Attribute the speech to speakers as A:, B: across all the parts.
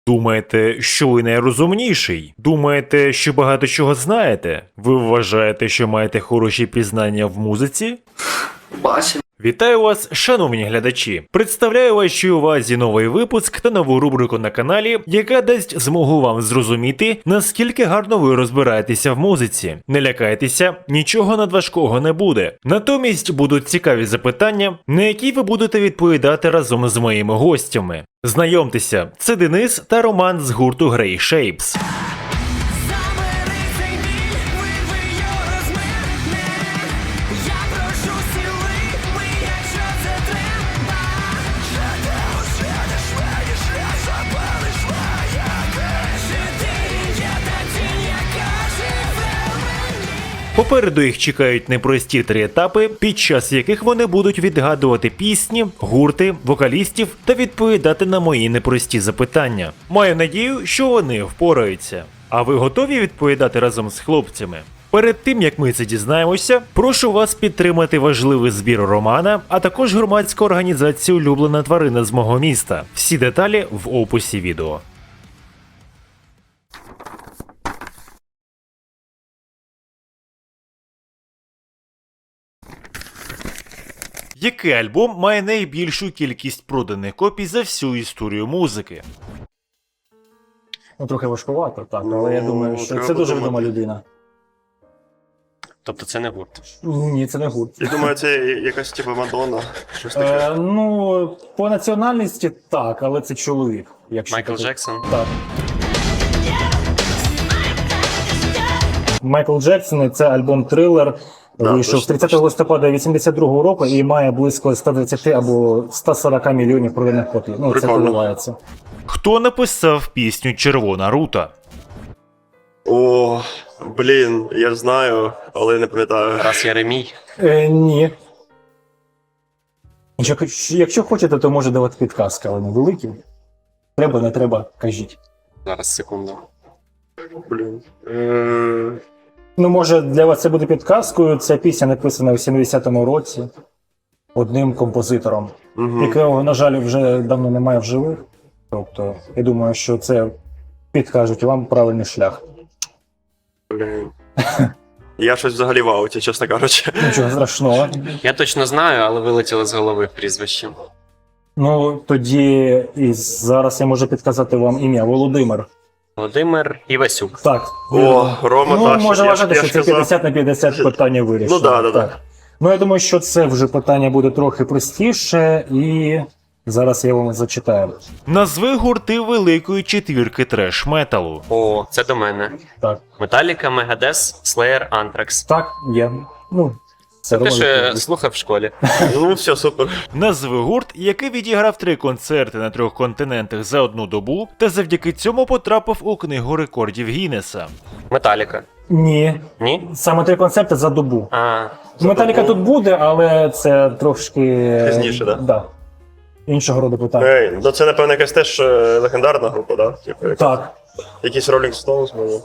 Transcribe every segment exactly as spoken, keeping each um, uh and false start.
A: Думаєте, що ви найрозумніший? Думаєте, що багато чого знаєте? Ви вважаєте, що маєте хороші пізнання в музиці?
B: Бачимо.
A: Вітаю вас, шановні глядачі! Представляю вашій увазі новий випуск та нову рубрику на каналі, яка дасть змогу вам зрозуміти, наскільки гарно ви розбираєтеся в музиці. Не лякайтеся, нічого надважкого не буде. Натомість будуть цікаві запитання, на які ви будете відповідати разом з моїми гостями. Знайомтеся, це Денис та Роман з гурту Grey Shapes. Попереду їх чекають непрості три етапи, під час яких вони будуть відгадувати пісні, гурти, вокалістів та відповідати на мої непрості запитання. Маю надію, що вони впораються. А ви готові відповідати разом з хлопцями? Перед тим, як ми це дізнаємося, прошу вас підтримати важливий збір Романа, а також громадську організацію «Улюблена тварина з мого міста». Всі деталі в описі відео. Який альбом має найбільшу кількість проданих копій за всю історію музики?
C: Ну, трохи важкувато, так,
B: Ну,
C: але я думаю, що
B: треба
C: це дуже
B: подумати.
C: відома людина.
D: Тобто це не гурт.
C: Ні, це не гурт.
B: Я думаю, це якась типу Мадонна. Щось таке.
C: Е, ну, по національності так, але це чоловік. Якщо
D: Майкл
C: так-
D: Джексон?
C: Так. Майкл Джексон, це альбом «Трилер».
B: Да,
C: Вийшов
B: точно,
C: тридцятого
B: точно.
C: листопада вісімдесят другого року і має близько сто двадцять або сто сорок мільйонів проданих копій. Ну, це
B: Прикольно.
C: коливається.
A: Хто написав пісню «Червона рута»?
B: О, блін, я знаю, але не пам'ятаю.
D: Раз Єремій.
C: Е, ні. Якщо, якщо хочете, то можу давати підказки, але не великі. Треба, не треба, кажіть.
D: Зараз, секунду.
B: Блін. Е,
C: Ну, може, для вас це буде підказкою. Ця пісня написана у сімдесятому році одним композитором,
B: мгм.
C: якого, на жаль, вже давно немає в живих. Тобто, я думаю, що це підкажуть вам правильний шлях.
B: Блін. Я щось взагалі в ауті, чесно кажучи.
C: Нічого страшного.
D: Я точно знаю, але вилетіло з голови прізвище.
C: Ну, тоді і зараз я можу підказати вам ім'я Володимир.
D: Володимир Івасюк.
C: Так.
B: О,
C: вірно.
B: Рома,
C: Ну,
B: так,
C: може
B: я ж-
C: вважати,
B: я
C: що
B: ж
C: це
B: казав.
C: п'ятдесят на п'ятдесят питання вирішено.
B: Ну, да, да, да.
C: Ну, я думаю, що це вже питання буде трохи простіше, і зараз я вам зачитаю.
A: Назви гурти великої четвірки треш-металу.
D: О, це до мене.
C: Так.
D: Металіка, Мегадес, Слеєр, Антракс.
C: Так, є. Ну, це
D: Те, що
C: Роман.
D: я слухав в школі.
B: Ну, все, супер.
A: Назви гурт, який відіграв три концерти на трьох континентах за одну добу, та завдяки цьому потрапив у книгу рекордів Гіннеса.
D: Металіка.
C: Ні.
D: Ні?
C: Саме три концерти за добу.
D: А,
C: Металіка тут буде, але це трошки.
B: Пізніше, да?
C: Да. Іншого роду питання.
B: Ей, ну це, напевно, якась теж е, легендарна група, да? Типу, як-
C: Так.
B: якісь Rolling Stones, може.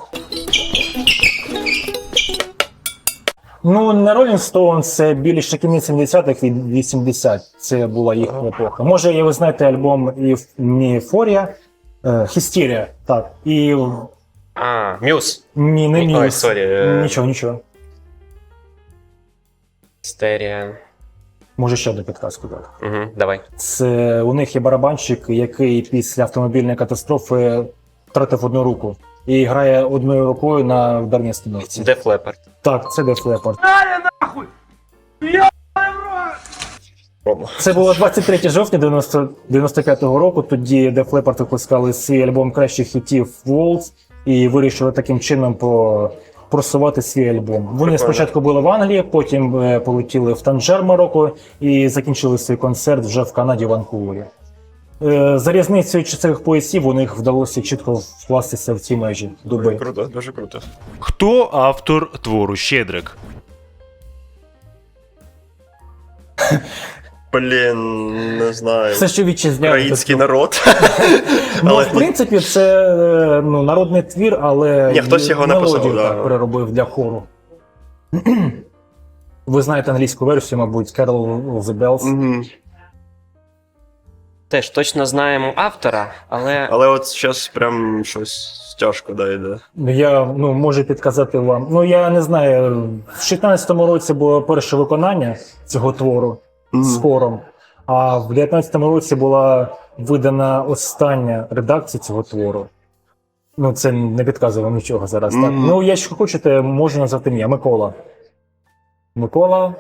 C: Ну, не Rolling Stones, це більше кінець сімдесятих від вісімдесят. Це була їхня епоха. Може, і ви знаєте альбом Euphoria, Hysteria, так. І
D: а Мюз.
C: ні, не
D: Ні, ой,
C: Muse.
D: сорі, е.
C: Нічого, нічого.
D: Стерія.
C: Може ще одну підказку дати.
D: Угу, давай.
C: Це у них є барабанщик, який після автомобільної катастрофи втратив одну руку і грає одною рукою на ударній становці.
D: Def Leppard.
C: Так, це Def Leppard.
B: Рома.
C: Це було двадцять третього жовтня дев'яносто п'ятого року. Тоді Def Leppard випускали свій альбом кращих хітів Waltz і вирішили таким чином по... просувати свій альбом. Вони
B: Прикольно.
C: спочатку були в Англії, потім е, полетіли в Танжер, Марокко і закінчили свій концерт вже в Канаді, в Ванкувері. Е, За різницею часових поясів у них вдалося чітко вкластися в ці межі доби.
B: Круто, дуже круто.
A: Хто автор твору «Щедрик»?
B: Блін, не знаю.
C: Все, що вітчизняне.
B: Український народ.
C: Ну,
B: Але
C: в принципі, це е, ну, народний твір, але
B: Ні, хтось його
C: мелодію
B: написав, да.
C: так, переробив для хору. Ви знаєте англійську версію, мабуть, Carol of the Bells.
B: Мгм.
D: Теж точно знаємо автора, але.
B: Але от зараз прям щось тяжко да, йде.
C: Я ну, можу підказати вам. Ну я не знаю, в шістнадцятому році було перше виконання цього твору з хором, а в дев'ятнадцятому році була видана остання редакція цього твору. Ну, це не підказує вам нічого зараз. Так?
B: Мгм.
C: Ну, якщо хочете, можу назвати ім'я. Микола. Микола.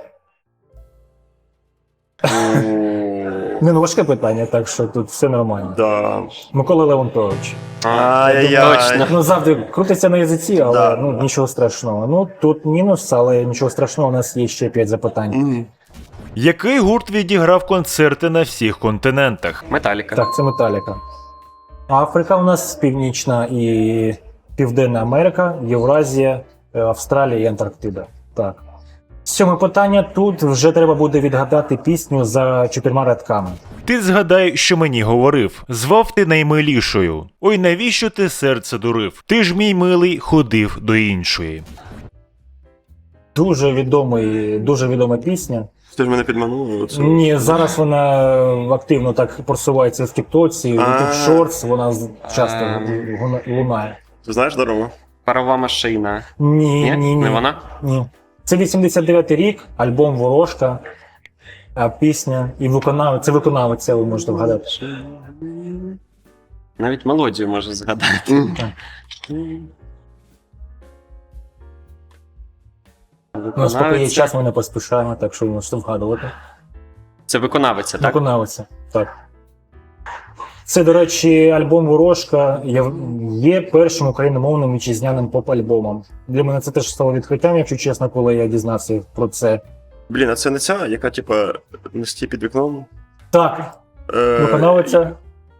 C: Не, ну важке питання, так що тут все нормально.
B: Да.
C: Микола Леонтович.
B: Ай-яй-яй.
D: Точно.
C: Ну, завжди крутиться на язиці, але
B: Да.
C: ну, нічого страшного. Ну, тут мінус, але нічого страшного, у нас є ще п'ять запитань.
B: Мгм.
A: Який гурт відіграв концерти на всіх континентах?
D: Металіка.
C: Так, це Металіка. Африка у нас Північна і Південна Америка, Євразія, е, Австралія і Антарктида. Так. Сьоме питання. Тут вже треба буде відгадати пісню за чотирма рядками.
A: Ти згадай, що мені говорив. Звав ти наймилішою. Ой, навіщо ти серце дурив? Ти ж мій милий ходив до іншої.
C: Дуже відомий, дуже відома пісня.
B: Ти ж мене підманув. Оце.
C: Ні, зараз вона активно так просувається в Тіктоці, в
B: А.
C: YouTube Shorts, вона з- часто
D: Ем.
C: гуна- лунає.
B: Ти знаєш, Дарома?
D: Парова машина.
C: Ні,
D: Ні?
C: ні, ні.
D: Не вона?
C: Ні. Це вісімдесят дев'ятий рік, альбом Ворожка, а пісня і виконавець. Це виконавець, ви можете вгадати.
D: Навіть мелодію можу згадати.
B: Мгм.
C: У нас поки є
D: Виконавець.
C: час, ми не поспішаємо, так що ви можете вгадувати.
D: Це виконавиця, так?
C: Виконавиця, так. Це, до речі, альбом Ворожка є, є першим україномовним вітчизняним поп-альбомом. Для мене це теж стало відкриттям, якщо чесно, коли я дізнався про це.
B: Блін, а це не ця, яка, типа, на сті під вікном?
C: Так,
B: Е,
C: виконавиця.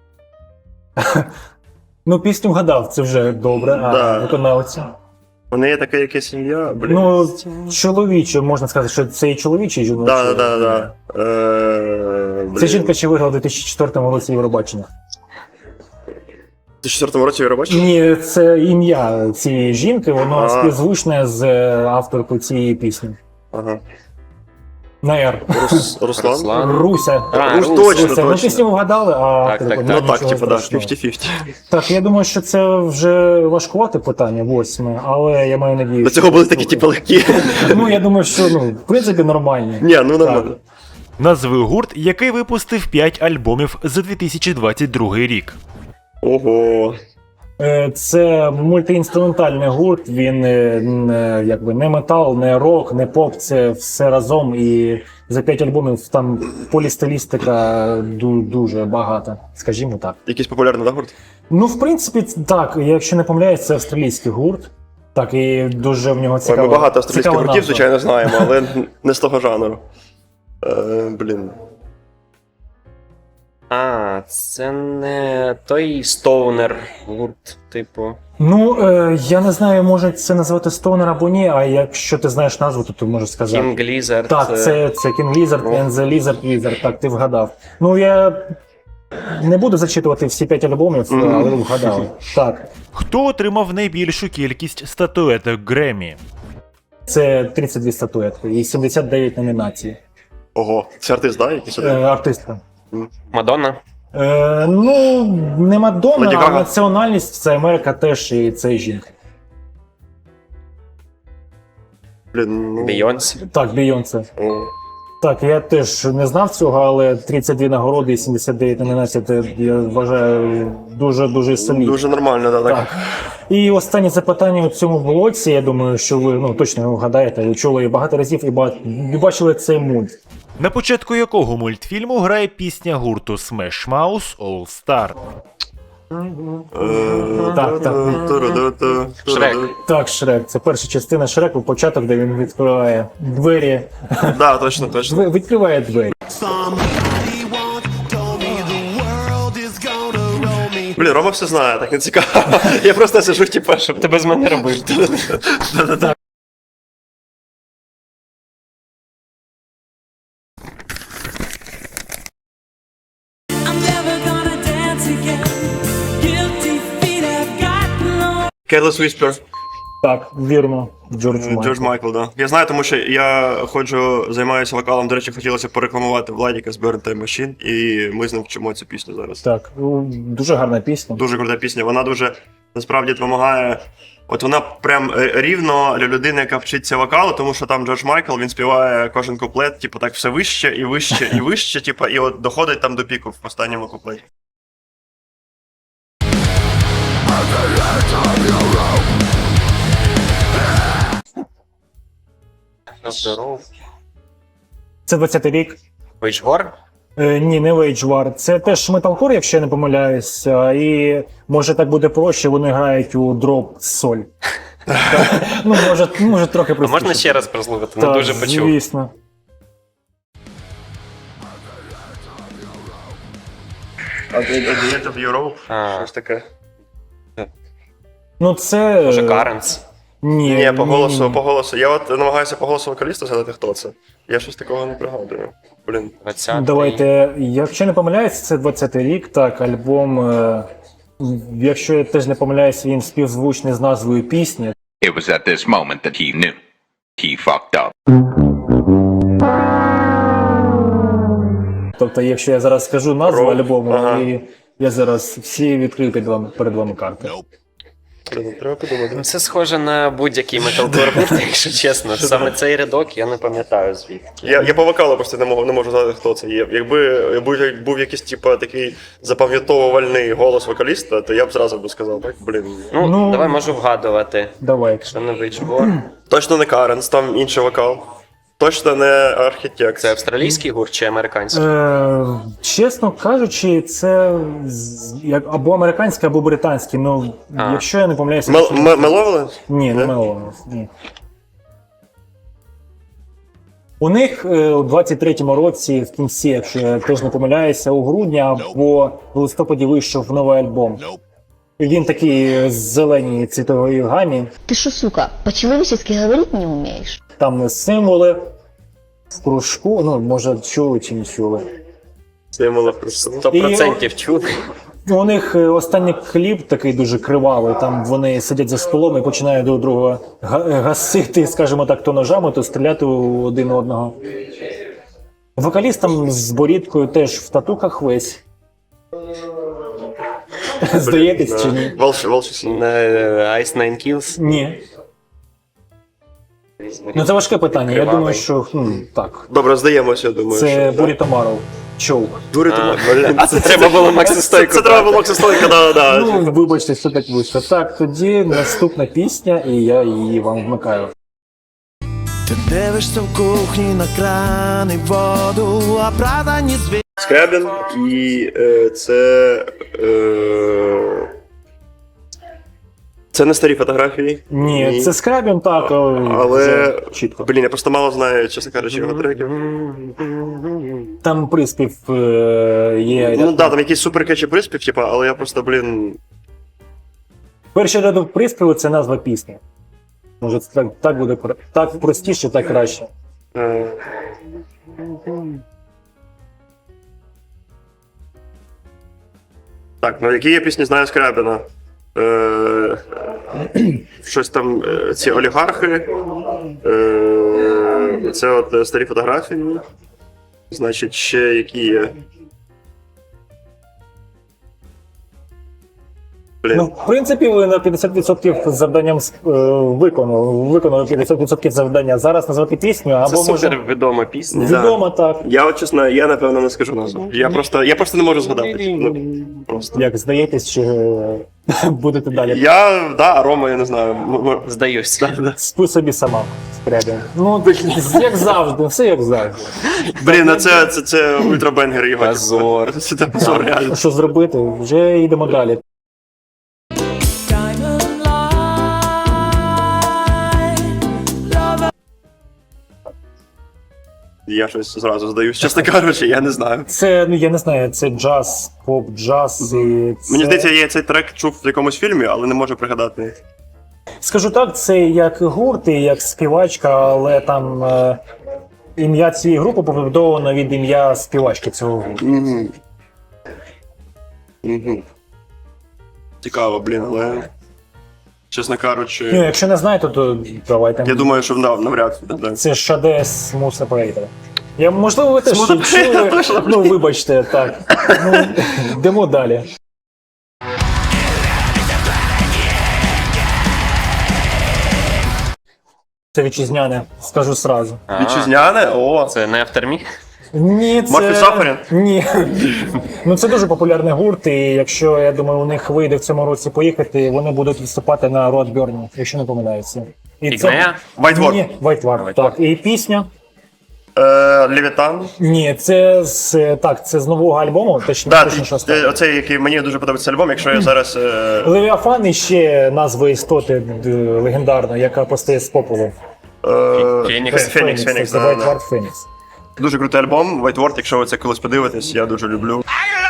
C: Ну, пісню вгадав, це вже добре, а
B: Да.
C: виконавиця.
B: У неї таке якесь ім'я, блін.
C: Ну, чоловіче, можна сказати, що це і чоловічий жіночий.
B: да, да, да, да. Е,
C: Це
B: блін.
C: жінка ще виграла у дві тисячі четвертому році Євробачення.
B: В дві тисячі четвертому році Євробачення?
C: Ні, це ім'я цієї жінки, воно
B: А.
C: співзвучне з е, авторкою цієї пісні.
B: Ага.
C: На Р.
B: Рус, Руслан?
D: Руслан.
C: Руся.
D: А,
B: Русь,
D: Русь.
B: точно,
C: Руся. Ну,
B: точно.
C: пісню вгадали, а
D: Так,
C: автор
D: так,
C: виконав,
B: Ну так,
C: нічого
B: типа, да,
C: страшного.
B: п'ятдесят на п'ятдесят.
C: Так, я думаю, що це вже важкувате питання, восьме, але я маю надію.
B: До
C: що-
B: цього були такі, типу, легкі.
C: Ну, я думаю, що, ну, в принципі, нормальні.
B: Ні, ну нормально.
A: Назви гурт, який випустив п'ять альбомів за дві тисячі двадцять другий рік.
B: Ого.
C: Е, Це мультиінструментальний гурт, він е, не, якби, не метал, не рок, не поп, це все разом. І за п'ять альбомів там полістилістика ду- дуже багата, скажімо так.
B: Якийсь популярний, да, гурт?
C: Ну, в принципі, так, якщо не помиляюсь, це австралійський гурт. Так, і дуже в нього
B: Ой,
C: цікаво.
B: ми багато австралійських гуртів, звичайно, знаємо, але не з того жанру. Е, блін.
D: А, це не той стоунер гурт, типу.
C: Ну, е, я не знаю, може це назвати Stoner або ні, а якщо ти знаєш назву, то ти можеш сказати.
D: King Lizard.
C: Так, це, це King Lizard
D: Ну.
C: and the Lizard Wizard, так, ти вгадав. Ну, я не буду зачитувати всі п'ять альбомів,
B: Мгм.
C: але ви вгадали. Так,
A: Хто отримав найбільшу кількість статуеток Греммі?
C: це тридцять дві статуетки і сімдесят дев'ять номінацій.
B: Ого. Це артист, да, якийсь
C: Е,
B: один?
C: артистка.
D: Мадонна.
C: Е, ну, не Мадонна,
B: Леді
C: а
B: Гага.
C: національність це Америка теж і це жінка.
B: Блін, ну...
D: Бейонсі.
C: Так, Бейонсе.
B: О.
C: Так, я теж не знав цього, але тридцять дві нагороди і сімдесят дев'ять номінацій, це, я вважаю, дуже-дуже солідно.
B: Дуже нормально, да, так.
C: Так. І останнє запитання у цьому блоці, я думаю, що ви ну, точно його вгадаєте, ви чули її багато разів і, ба... і бачили цей мульт.
A: На початку якого мультфільму грає пісня гурту Smash Mouth All Star?
B: Е,
C: Так, так.
B: ту-ру-ду-ту,
D: Шрек.
B: ту-ру-ду.
C: Так, Шрек, це перша частина Шреку, початок, де він відкриває двері.
B: Да, точно, точно.
C: Ви- Відкриває двері.
E: Somebody once told me the world is gonna roll me.
B: Блін, Рома все знає, так не цікаво. Я просто сижу, типа, щоб
D: Ти без мене робив.
F: I'm never gonna dance again. Guilty feet have got no.
B: Careless Whisper.
C: Так, вірно, Джордж Майкл.
B: Джордж Майкл, да. Я знаю, тому що я ходжу, займаюся вокалом. До речі, хотілося порекламувати Владіка з Burn Time Machine, і ми з ним вчимо цю пісню зараз.
C: Так, ну, дуже гарна пісня.
B: Дуже крута пісня. Вона дуже насправді допомагає. От вона прям рівно для людини, яка вчиться вокалу, тому що там Джордж Майкл, він співає кожен куплет, типу, так все вище і вище і вище, типу, і от доходить там до піку в останньому куплеті.
D: Здоров.
C: Це двадцятий рік.
D: Вейджгор?
C: Е, ні, не Wage War. Це теж металкор, якщо я не помиляюся. І може так буде проще, вони грають у дроп соль. Так, ну, може, може трохи
D: А
C: простіше.
D: можна ще раз прослухати? Не
C: Так,
D: дуже почув.
C: звісно.
B: А The End of Europe?
D: А.
B: Щось таке.
C: Ну це...
D: Може, Каренс?
C: Ні,
B: Ні, по
C: ні,
B: голосу,
C: ні.
B: по голосу. Я от намагаюся по голосу вокаліста згадати, хто це. Я щось такого не пригадую. Блін.
D: двадцятий.
C: Давайте, якщо не помиляюсь, це двадцятий рік, так, альбом, е, якщо я теж не помиляюсь, він співзвучний з назвою пісні.
G: It was at this moment that he knew. He fucked up.
C: Тобто, якщо я зараз скажу назву
B: Рок,
C: альбому,
B: ага.
C: і я зараз всі відкрию перед вами, перед вами карти.
B: Блін, треба подумати.
D: Ну, це схоже на будь-який металкор гурт, якщо чесно. Саме цей рядок я не пам'ятаю звідки.
B: Я, я по вокалу просто не можу, не можу згадати, хто це є. Якби був, був якийсь типу, такий запам'ятовувальний голос вокаліста, то я б зразу б сказав, так, блін.
D: Ну,
C: Ну,
D: давай можу вгадувати.
C: Давай.
D: Якщо не Вейджгор.
B: Точно не Каренс, там інший вокал. Точно не Архітект.
D: Це австралійський гурт чи американський?
C: Е, чесно кажучи, це з- як або американський, або британський. Ну,
D: А.
C: якщо я не помиляюся...
B: Мел-
C: це-
B: М- Меловелес?
C: Ні, не
B: Не?
C: Меловелес, ні. У них е, у двадцять третьому році, в кінці, якщо я теж не помиляюся, у грудні або в листопаді вийшов новий альбом. Він такий з зеленій цвітової гамі.
H: Ты шо, сука, по-человечески говорить не умеешь?
C: Там символи в кружку, ну, може, чули чи не чули.
B: Символи просто.
D: Сто процентів чули.
C: У них е, останній кліп такий дуже кривавий, там вони сидять за столом і починають друг друга га- гасити, скажімо так, то ножами, то стріляти у один одного. Вокаліст там з борідкою теж в татухах весь. Здаєтесь чи ні?
B: Волш, волш.
D: Е, Ice Nine Kills.
C: Ні. Ну це важке питання. Я
D: Кривавий.
C: думаю, що хм, так.
B: Добре, здаємося, я думаю.
C: Це
B: що, да.
C: Буріто Маров. Чоук.
B: Дурі
D: А,
B: блін.
D: а це треба було Максистойку.
B: Це треба було Максистойка, да, да.
C: Ну, вибачте, що так вийшло. Так, тоді наступна пісня, і я її вам вмикаю.
E: Ти дивишся в кухні на кран і воду, а правда ні звідки.
B: Скрябін, і е, це. Е, це не старі фотографії.
C: Ні, це Скрабін, так,
B: Але.
C: вже чітко.
B: Блін, я просто мало знаю, чесно кажучи, його треків.
C: Там приспів е, є.
B: Ну да, там якийсь суперкетчі приспів, типа, але я просто, блін.
C: Перший рядок приспіву це назва пісні. Може, це так, так буде про- так простіше, так краще.
B: Е, Так, ну які я пісні знаю Скрябіна? Е, щось там, е, ці олігархи. Е, це от е, старі фотографії. Значить, ще які є. Блін.
C: Ну, в принципі, ви на п'ятдесят відсотків завданням е, виконали. Виконали п'ятдесят відсотків завдання. Зараз назвати пісню,
D: Це
C: або може
D: супер відома пісня.
C: відомо так.
B: Я от чесно, я напевно не скажу назву. Я просто, я просто не можу згадати. Ну, просто.
C: Як здаєтесь, чи е, будете далі?
B: Я, да, а Рома, я не знаю. м- м-
D: Здаюсь.
C: Спи собі сама. Скрябін. Ну, як завжди, все як завжди.
B: Блін, ну це, це, це ультрабенгер його.
D: Позор.
B: Це це позор, реально.
C: Що зробити? Вже йдемо далі.
F: Diamond light, love.
B: Я щось зразу здаюсь. Чесно кажучи, я не знаю.
C: Це, ну я не знаю, це джаз, поп, джаз. І це...
B: Мені здається, я цей трек чув в якомусь фільмі, але не можу пригадати.
C: Скажу так, це як гурт і як співачка, але там е, ім'я цієї групи побудовано від ім'я співачки цього гурту.
B: Угу. Угу. Цікаво, блін, але. чесно кажучи.
C: Ну, якщо не знаєте, то давайте.
B: Я думаю, що да, навряд чи. Да.
C: Це Шаде Smooth Operator. Я, можливо, ви теж
B: Smooth
C: чули.
B: Operator, точно.
C: Ну, вибачте, так. Ну, йдемо далі. Це вітчизняне, скажу сразу.
D: А,
B: Вітчизняне? О,
D: Це не автермі?
C: Ні, це...
B: Мафі Сафарін?
C: Ні. Ну, це дуже популярний гурт, і якщо, я думаю, у них вийде в цьому році поїхати, вони будуть виступати на Roadburn, якщо не помиляюся. І
D: Ігнея?
B: White War.
C: Ні, White War, так. І пісня?
B: Е, Левітан.
C: Ні, це з, так, це з нового альбому, точно,
B: Да,
C: точно що
B: ти-
C: стало.
B: оцей, який мені дуже подобається альбом, якщо я зараз. Е,
C: Левіафан і ще назва істоти д- легендарна, яка постає з попелу.
B: е,
D: Фенікс.
B: Фенікс, Фенікс,
C: це
B: да,
C: White
B: да.
C: War Phoenix.
B: Дуже крутий альбом, White Word, якщо ви це колись подивитесь, я дуже люблю.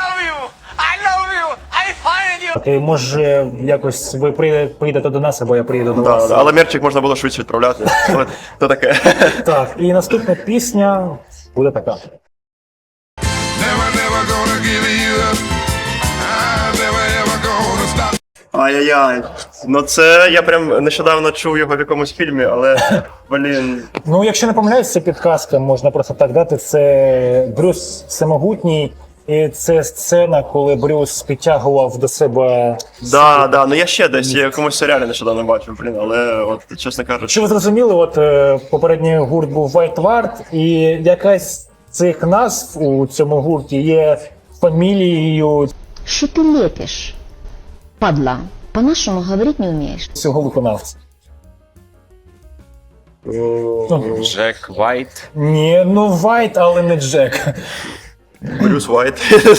C: Окей, може якось ви прийде- прийдете до нас, або я приїду до
B: Да,
C: вас.
B: да, але мерчик можна було швидше відправляти. Але то таке.
C: Так, і наступна пісня буде така.
F: Never, never gonna give you up. I'm never, ever gonna stop.
B: Ай-яй-яй. Ну це я прям нещодавно чув його в якомусь фільмі, але блін.
C: Ну, якщо не помиляюсь, це підказка, можна просто так дати. Це Брюс Всемогутній, і це сцена, коли Брюс підтягував до себе.
B: Да, да, ну я ще десь я в якомусь серіалі нещодавно бачив, блін, але от чесно кажучи.
C: Що ви зрозуміли, от е, попередній гурт був White Ward, і якась з цих назв у цьому гурті є фамілією
H: Что ты лепишь? Падла, по-нашему говорить не умеешь.
C: цього виконавця. Ну,
D: Джек Вайт.
C: ні, ну White, але не Джек.
B: Брюс Вайт.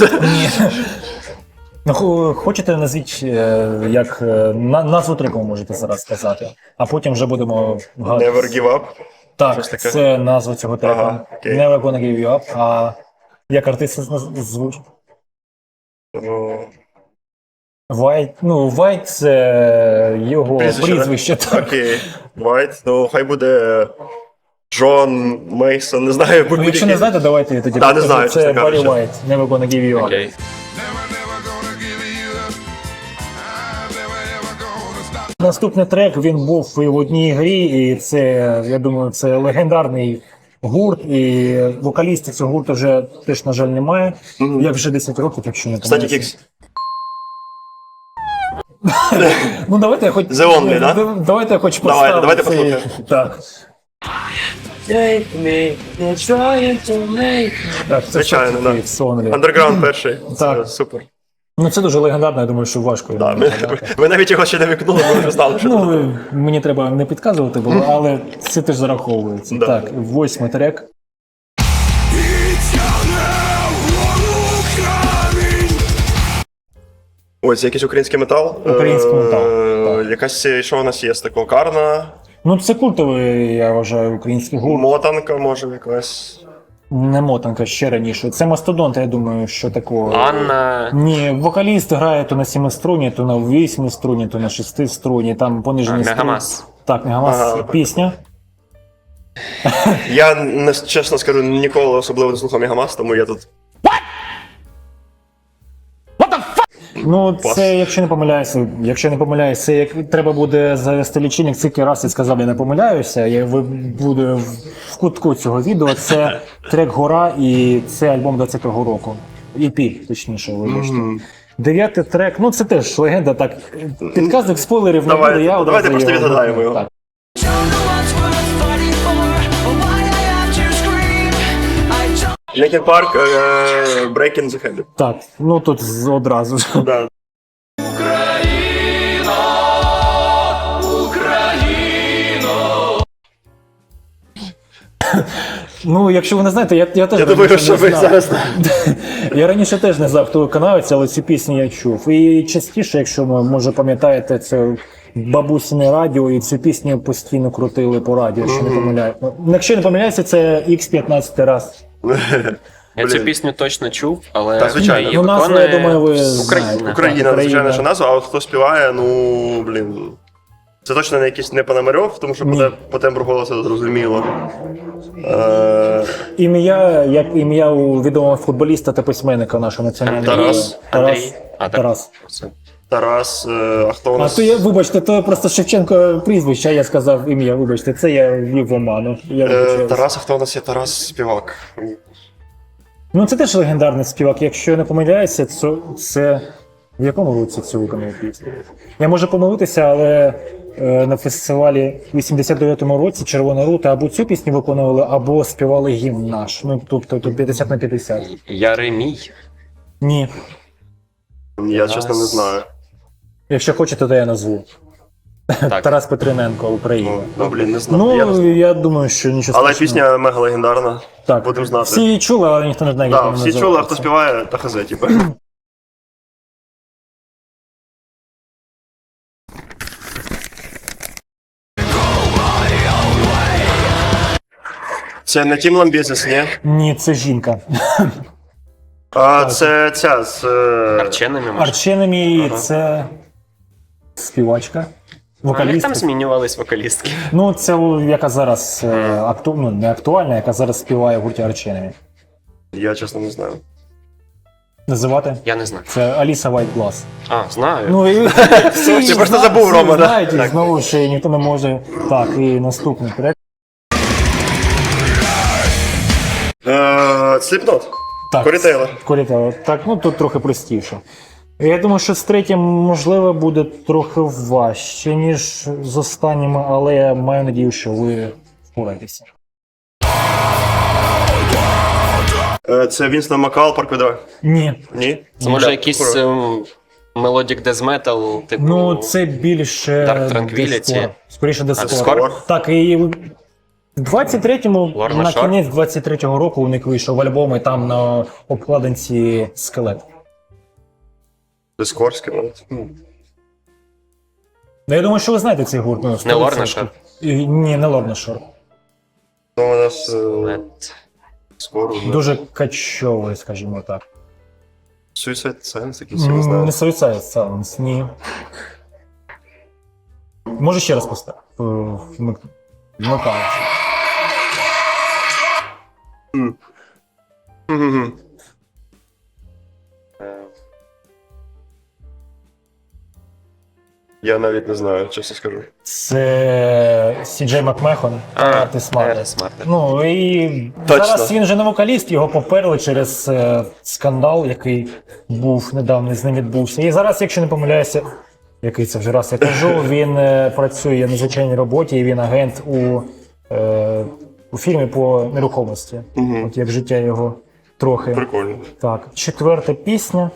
C: Ну, хо- хочете назвіть, е, як е, на, назву треку можете зараз сказати, а потім вже будемо вгадувати.
B: Never give up.
C: Так,
B: щось таке.
C: це назва цього треку.
B: Ага, окей.
C: Never gonna give you up. А як артист наз- звучить?
B: Ну,
C: White, ну, White це його
B: Прізвище,
C: прізвище, так.
B: Окей. Вайт. Ну хай буде Джон Мейсон, не знаю,
C: Ну, якщо не знаєте, давайте я тоді
B: Да, не
C: покажу.
B: знаю,
C: Це
B: чесно
C: Баррі
B: кажучи.
C: White, Never gonna give you up.
D: Окей.
F: Never, never gonna give you up. I'm never, ever gonna stop.
C: Наступний трек, він був і в одній грі, і це, я думаю, це легендарний гурт, і вокалістів цього гурту вже теж, на жаль, немає. Як вже десять років, якщо не
B: Кстати,
C: помиляюся.
B: Кікс.
C: Ну, давайте я хоч...
B: The Only, да?
C: Да- Давайте я хоч
B: Давайте,
C: поставлю
B: давайте
C: цей-
B: послухаємо.
C: Так. Так, це
B: Звичайно, да.
C: Сонлі.
B: Андерграунд перший.
C: Так.
B: Це супер.
C: Ну, це дуже легендарно, я думаю, що важко.
B: Да,
C: його
B: ми,
C: згадати.
B: ви навіть його ще не викнули, ми вже знали, що
C: Ну,
B: це.
C: ви- мені треба не підказувати було, але це теж зараховується.
B: Да.
C: Так, восьмий трек.
B: Ось якийсь український метал.
C: Український метал,
B: Е, Якась, що у нас є з такого? Карна,
C: Ну, це культовий, я вважаю, український гурт.
B: мотанка, може, якась.
C: Не мотанка, ще раніше. Це мастодонт, я думаю, що такого.
D: Анна.
C: Ні, вокаліст грає то на сіми струні, то на восьми струні, то на шести струні, там понижені
D: А,
C: струни.
D: Мегамас.
C: Так, Мегамас.
B: Ага.
C: Пісня.
B: Я не чесно скажу, ніколи особливо не слухав Мегамас, тому я тут.
C: Ну,
B: Пас.
C: це, якщо не помиляюся, якщо не помиляюся, це як треба буде завести лічильник, скільки раз я сказав, я не помиляюся, я ви- буде в, в кутку цього відео. Це трек Гора і це альбом двадцятого року. і пі, точніше, вибачте. Дев'ятий трек, ну це теж легенда, так. Підказник спойлерів не
B: Давайте,
C: буде, я
B: давайте
C: одразу
B: просто
C: його-
B: відгадаємо його.
C: Так.
B: Linkin Park, е, Breaking the Habit.
C: Так, ну тут з- одразу ж.
B: Да.
C: Ну, якщо ви не знаєте, я, я теж
B: Я думаю,
C: раніше
B: що
C: не
B: ви
C: знав.
B: зараз.
C: Я раніше теж не знав, хто виконавець, але ці пісні я чув. І частіше, якщо ви, може, пам'ятаєте, це бабусине радіо, і цю пісню постійно крутили по радіо, якщо не помиляю. Ну, якщо не помиляюся, це ікс п'ятнадцять раз.
D: Я цю
B: Блін.
D: пісню точно чув, але
B: Та, звичайно.
D: її
C: Ну, назву,
D: виконує
C: я думаю, ви
D: Україна.
C: знаєте.
B: Україна,
C: Так,
B: звичайно, що
C: Україна.
B: назва, а от хто співає, ну, блін. Це точно не якийсь не Пономарьов, тому що
C: Ні.
B: по, те- по тембру голосу зрозуміло. Е,
C: Ім'я, як ім'я у відомого футболіста та письменника нашого національного.
B: Тарас.
C: Тарас.
D: Андрій. А, так.
C: Тарас.
D: Це
B: Тарас, е, а хто у
C: А
B: нас?
C: то я, вибачте, то просто Шевченко прізвище, а я сказав ім'я, вибачте, це я ввів в оману. Я
B: Е,
C: вибачаюсь.
B: Тарас, а хто у нас є? Тарас Співак.
C: Ну це теж легендарний співак. Якщо я не помиляюся, це, це в якому році цю виконав пісню? Я можу помилитися, але е, на фестивалі в вісімдесят дев'ятому році Червона рута або цю пісню виконували, або співали гімн наш. Ну тобто тут п'ятдесят на п'ятдесят.
D: Яремій.
C: Ні.
B: Я чесно не знаю.
C: Якщо хочете, то я назву.
D: Так.
C: Тарас Петриненко, Україна.
B: Ну, ну блін, не знаю. Я не
C: Ну,
B: знаю.
C: я думаю, що нічого
B: Але
C: страшного.
B: пісня мега легендарна.
C: Так.
B: Будемо знати.
C: Всі її чули, але ніхто не знає, як
B: Так,
C: вона
B: всі
C: називається.
B: чули, а хто співає, та хазе, типу. Це не Тім Ламбезіс, ні?
C: Ні, це жінка.
B: А це ця з. е,
D: Арченами, може?
C: Арченемі це співачка,
D: А як там
C: вокалістка.
D: змінювались вокалістки?
C: Ну, це о, яка зараз е, акту... ну, не актуальна, яка зараз співає в гурті Арченемі.
B: Я чесно не знаю.
C: Називати?
D: Я не знаю.
C: Це Аліса Вайтглас.
D: А, знаю.
C: Ну, і всі
B: Ти просто
C: зна-
B: забув,
C: всі
B: Рома, да?
C: знають, і
B: Так.
C: знову ж ніхто не може. Так, і наступний трек.
B: Е, Сліпнот.
C: Так,
B: Корі Тейлор.
C: Корі Тейлор. Так, ну тут трохи простіше. Я думаю, що з третім, можливо, буде трохи важче, ніж з останніми, але я маю надію, що ви впораєтеся.
B: Е, Це Вінстон Макал, Паркведра.
C: Ні.
B: Ні?
D: Це може
B: Бля,
D: якийсь
B: кура.
D: ем, мелодік дез метал, типу.
C: Ну, це більше
D: Dark Tranquillity.
C: дискор. Скоріше дискор.
D: Дискор?
C: Так, і в двадцять третьому,
D: Lorna
C: на
D: Shore?
C: кінець двадцять третього року у них вийшов альбом, і там на обкладинці скелет.
B: Дискорський, навіть.
C: Ну, я думаю, що ви знаєте цей гурт. Ну,
D: Не
C: сто
D: Lorna
C: відсотків.
D: Shore?
C: І- Ні, не Lorna Shore.
B: Ну, у нас е,
D: Лед.
B: скоро.
C: Дуже качовий, скажімо так.
B: Suicide Sense, якийсь, я не
C: М,
B: знаю.
C: Не Suicide Silence, ні. Може ще раз поставити? Вмикаю.
B: Мгм. Я навіть не знаю, чесно скажу.
C: Це Сі Джей Макмехон та
D: А,
C: Артис Мартин.
D: Артис Мартин.
C: Ну і
B: Точно.
C: зараз він вже не вокаліст, його поперли через е, скандал, який був недавно з ним відбувся. І зараз, якщо не помиляюся, який це вже раз я кажу, він е, працює на звичайній роботі, і він агент у, е, у фірмі по нерухомості.
B: Мгм.
C: От як життя його трохи.
B: Прикольно.
C: Так, четверта пісня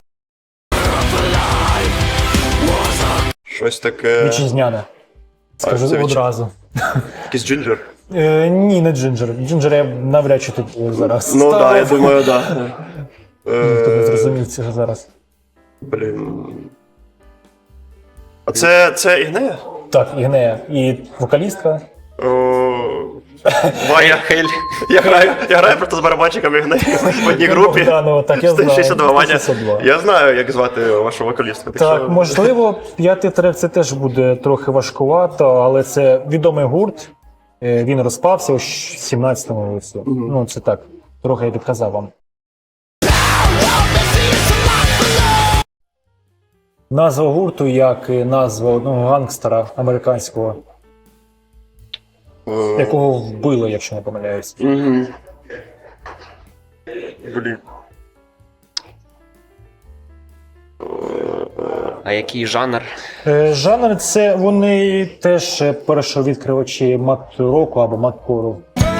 B: Щось таке.
C: вітчизняна. Скажу
B: це вітчи-
C: одразу.
B: Якийсь джинджер.
C: Е, ні, не Джинджер. Джинджер я навряд чи тут зараз.
B: Ну так, да, я
C: ставив.
B: думаю, так. Да.
C: Ніхто не
B: Е,
C: зрозумів цього зараз.
B: Блін. А це, це Ігнея?
C: Так, Ігнея. І вокалістка.
B: О, Ваня.
D: Хель.
B: Я граю, я граю просто з барабанщиком Ігнея в одній групі.
C: Богданова, так, я
B: сто шістдесят два.
C: знаю.
B: Ваня.
C: сто шістдесят два.
B: Я знаю, як звати вашу вокалістку.
C: Так,
B: що-
C: можливо, п'ятий трек це теж буде трохи важкувато, але це відомий гурт. Е, Він розпався у сімнадцятому році. Ну, це так, трохи я підказав вам. Назва гурту, як і назва одного гангстера американського,
B: Е,
C: якого вбили, якщо не помиляюсь.
B: Мгм. Блін.
D: А який жанр?
C: Е, Жанр це вони теж е, першовідкривачі мат-року або мат-кору.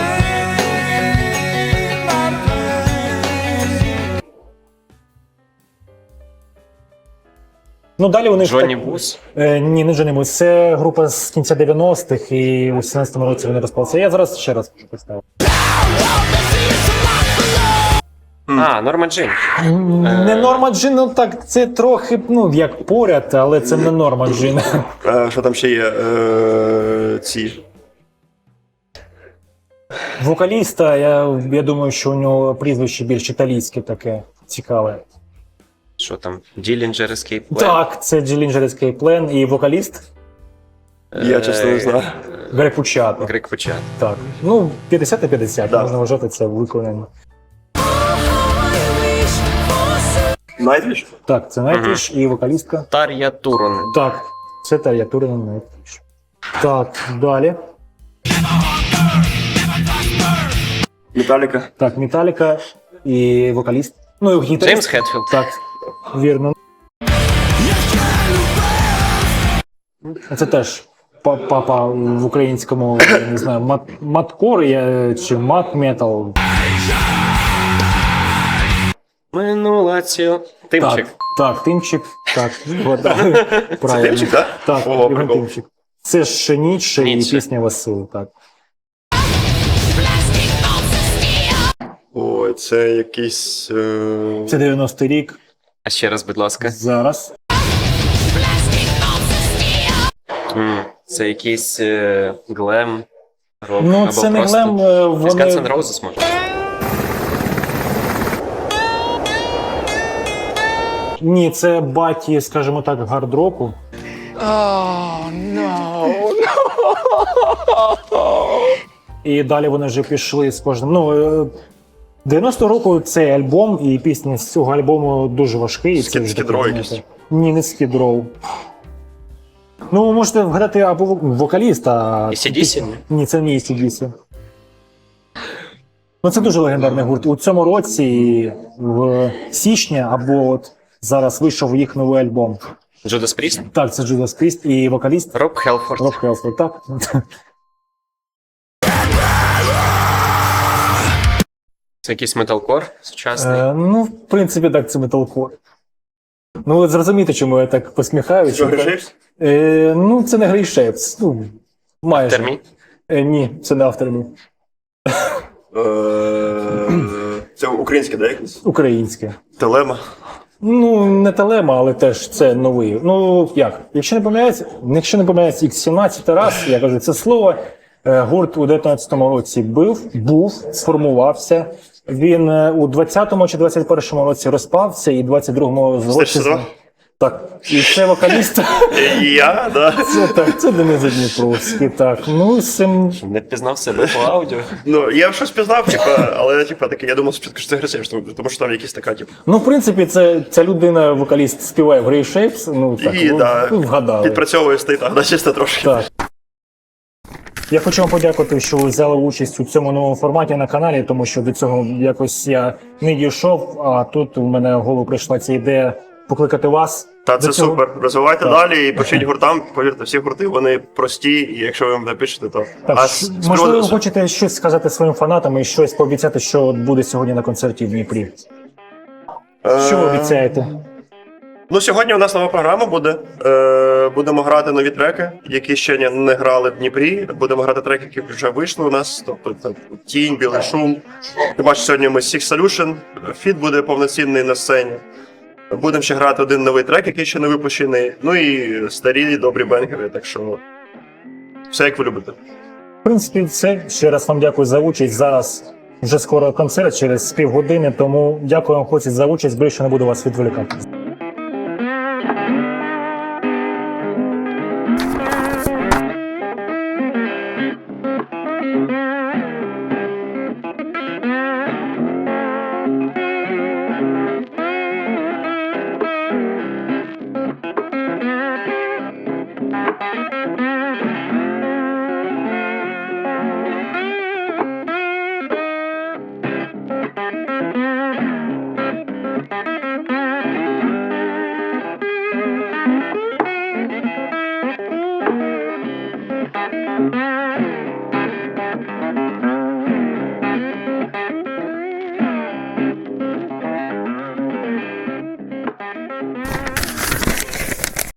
C: Ну, далі вони
D: Джонні
C: так-
D: Бус?
C: Е, ні, не Джонні Бус. Це група з кінця дев'яностих, і у сімнадцятому році вони розпалися. Я зараз ще раз поставив.
D: А, Норма Джин.
C: Не Норма Джин, ну так, це трохи, ну, як поряд, але це не Норма Джин.
B: Е, Що там ще є? Е, Ці.
C: Вокаліста, я, я думаю, що у нього прізвище більш італійське таке цікаве.
D: Що там? Dillinger Escape Plan?
C: Так, це Dillinger Escape Plan і вокаліст
B: Я чесно не знаю.
C: Грeg Puciato.
D: Грик Почат.
C: Так. Ну, п'ятдесят на п'ятдесят,
B: Да.
C: можна вважати це виконаним.
B: Nightwish?
C: Так, це Nightwish і вокалістка.
D: Тар'я Турон.
C: Так, це Тар'я Турина Nightwish. Так, далі.
B: Металіка.
C: Так, Металіка і вокаліст. Ну, і гітарист.
D: Джеймс Хетфілд.
C: Так, вірно. Це теж па- папа в українському, я не знаю, мат, маткор я- чи мат-метал.
D: Минула цю. Тимчик.
C: Так, так, Тимчик. Так, от, правильно.
B: Тимчик, так?
C: Так,
B: Ого,
C: Євген
B: прикол.
C: Тимчик. Це ж Ніцше і
D: Ніцше.
C: пісня Василу, так.
B: Ой, це якийсь. Е...
C: Це дев'яностий рік.
D: А ще раз, будь ласка.
C: Зараз.
D: М, Це якийсь е, глем, рок,
C: Ну,
D: або
C: це не
D: просто...
C: глем, е, вони...
D: Guns N' Roses, може?
C: Ні, це баті, скажімо так, гард-року. І далі вони вже пішли з кожним. Ну, е, дев'яностого року цей альбом і пісні з цього альбому дуже важкий. і це
B: Скід-
C: вже
B: Скід
C: таке,
B: Роу
C: знаєте,
B: якийсь?
C: Ні, не Скід Роу. Ну, ви можете вгадати або вок- вокаліста. а
D: ей сі ді сі?
C: пісня- Ні, це не ей сі ді сі. Ну, це дуже легендарний гурт. У цьому році, в січні, або от зараз вийшов їх новий альбом.
D: Judas Priest?
C: Так, це Judas Priest і вокаліст
D: Роб Хелфорд.
C: Роб Хелфорд, так.
D: Це якийсь металкор сучасний.
C: Е, ну, в принципі, так, це металкор. Ну, от зрозумієте, чому я так посміхаюся.
B: Що, Гришевсь?
C: Е, ну, це не Грейшепс. Ну, майже.
D: Термі?
C: Е, ні, це не автормі.
B: Е, Це українське, да, якесь?
C: Українське.
B: Телема.
C: Ну, не Телема, але теж це новий. Ну, як? Якщо не помиляється, якщо не помиляється ікс сімнадцять раз, я кажу, це слово. Е, Гурт у дев'ятнадцятому році був, був, сформувався. Він е, у двадцятому чи двадцять першому році розпався, і двадцять другому році...
B: Стежте два?
C: Так. І це вокаліст.
B: І я, да.
C: Це так, це Денис Задніпровський, так. Ну, з цим...
D: Не впізнав себе по аудіо.
B: Ну, я щось пізнав, типа, але типа таке, я думав спочатку, що це Гришевсь, тому що там якісь така, типу.
C: Ну, в принципі, це, ця людина, вокаліст, співає в Grey Shapes, ну, так,
B: І,
C: ви,
B: да,
C: ви вгадали.
B: Підпрацьовує стоїть, так, да, чисто трошки.
C: Так. Я хочу вам подякувати, що ви взяли участь у цьому новому форматі на каналі, тому що до цього якось я не дійшов, а тут у мене в голову прийшла ця ідея покликати вас.
B: Та
C: До
B: це
C: цього-
B: супер. Розвивайте
C: Так.
B: далі і пишіть гуртам. Повірте, всі гурти вони прості, і якщо ви їм напишете, то
C: Так,
B: а
C: ш-
B: з- з
C: можливо, ви
B: приводу-
C: хочете щось сказати своїм фанатам і щось пообіцяти, що от буде сьогодні на концерті в Дніпрі. Що ви
B: Е,
C: обіцяєте?
B: Ну, сьогодні у нас нова програма буде. Е, будемо грати нові треки, які ще не, не грали в Дніпрі. Будемо грати треки, які вже вийшли у нас. Тобто це Тінь, Білий шум. Ти бачиш, сьогодні ми Six Solution. Фіт буде повноцінний на сцені. Будемо ще грати один новий трек, який ще не випущений. Ну і старі добрі бенгери. Так що все як ви любите.
C: В принципі, все. Ще раз вам дякую за участь. Зараз вже скоро концерт через півгодини, тому дякую вам, хлопці, за участь. Більше не буду вас відволікати.